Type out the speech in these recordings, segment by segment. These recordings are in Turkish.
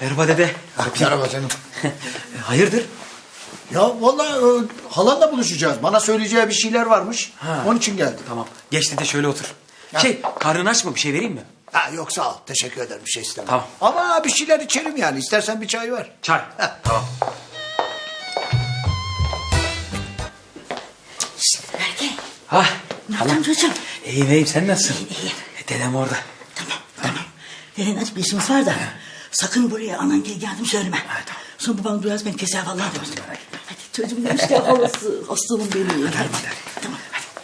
Merhaba dede. Merhaba canım. Hayırdır? Ya vallahi halanla buluşacağız. Bana söyleyeceği bir şeyler varmış. Ha. Onun için geldim. Tamam. Geç dede şöyle otur. Ha. Karnın aç mı? Bir şey vereyim mi? Ha, yok sağ ol. Teşekkür ederim. Bir şey istemem. Tamam. Ama bir şeyler içerim yani. İstersen bir çay ver. Çay. Ha. Tamam. Berke. Ha. Ne yaptın çocuğum? İyiyim sen nasılsın? İyiyim. Dedem orada. Tamam. Deden aç bir işimiz var da. Sakın buraya anan gel geldim söyleme. Tamam. Sonra babam duyarsa beni keser vallahi demiş. Hadi çocuğum demiş ya halası. Aslanım benim. Hadi. Tamam.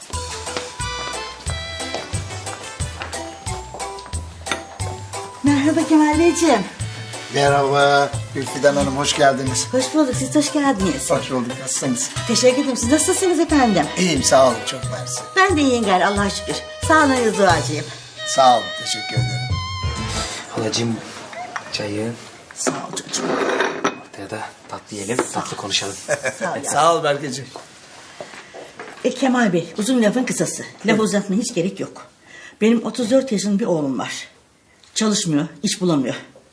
Merhaba Kemal Beyciğim. Merhaba Gülfidan Hanım. Hoş geldiniz. Hoş bulduk. Siz hoş geldiniz. Hoş bulduk. Nasılsınız? Teşekkür ederim. Siz nasılsınız efendim? İyiyim sağ olun. Çok mersi. Ben de iyiyim gari Allah'a şükür. Sağ olun duacıyım. Sağ olun. Teşekkür ederim. Halacığım çayı. Sağ ol çocuğum. Ortaya da tatlı yiyelim. Tatlı konuşalım. Sağ ol ya. Sağ ol Berkeciğim. Kemal Bey, uzun lafın kısası. Laf uzatmaya hiç gerek yok. Benim 34 yaşında bir oğlum var. Çalışmıyor, iş bulamıyor.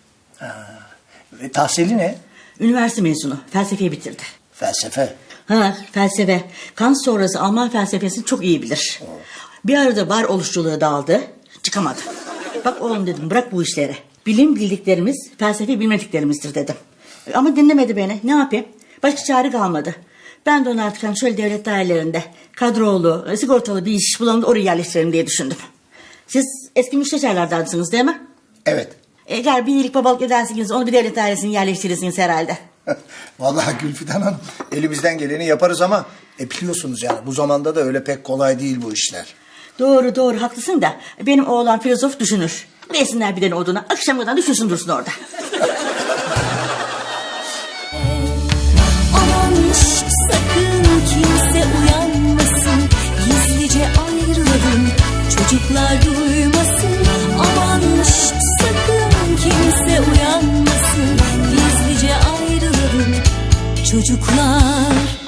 Tahsili ne? Üniversite mezunu, felsefeyi bitirdi. Felsefe. Ha, felsefe. Kant sonrası Alman felsefesini çok iyi bilir. Bir arada varoluşçuluğa daldı, çıkamadı. Bak oğlum dedim, bırak bu işleri. Bilim bildiklerimiz, felsefe bilmediklerimizdir dedim. Ama dinlemedi beni, ne yapayım? Başka çare kalmadı. Ben de onu artık hani şöyle devlet dairelerinde kadrolu, sigortalı bir iş bulalım da oraya yerleştirelim diye düşündüm. Siz eski müsteşarlardansınız değil mi? Evet. Eğer bir iyilik babalık edersiniz onu bir devlet dairesine yerleştirirsiniz herhalde. Vallahi Gülfidan Hanım elimizden geleni yaparız ama biliyorsunuz yani bu zamanda da öyle pek kolay değil bu işler. Doğru haklısın da benim oğlan filozof düşünür. Versinler bir tane oduna akşam kadar düşünsün dursun orada. Aman şş, sakın kimse uyanmasın, gizlice ayrılalım, çocuklar duymasın. Aman şş, sakın kimse uyanmasın, gizlice ayrılalım, çocuklar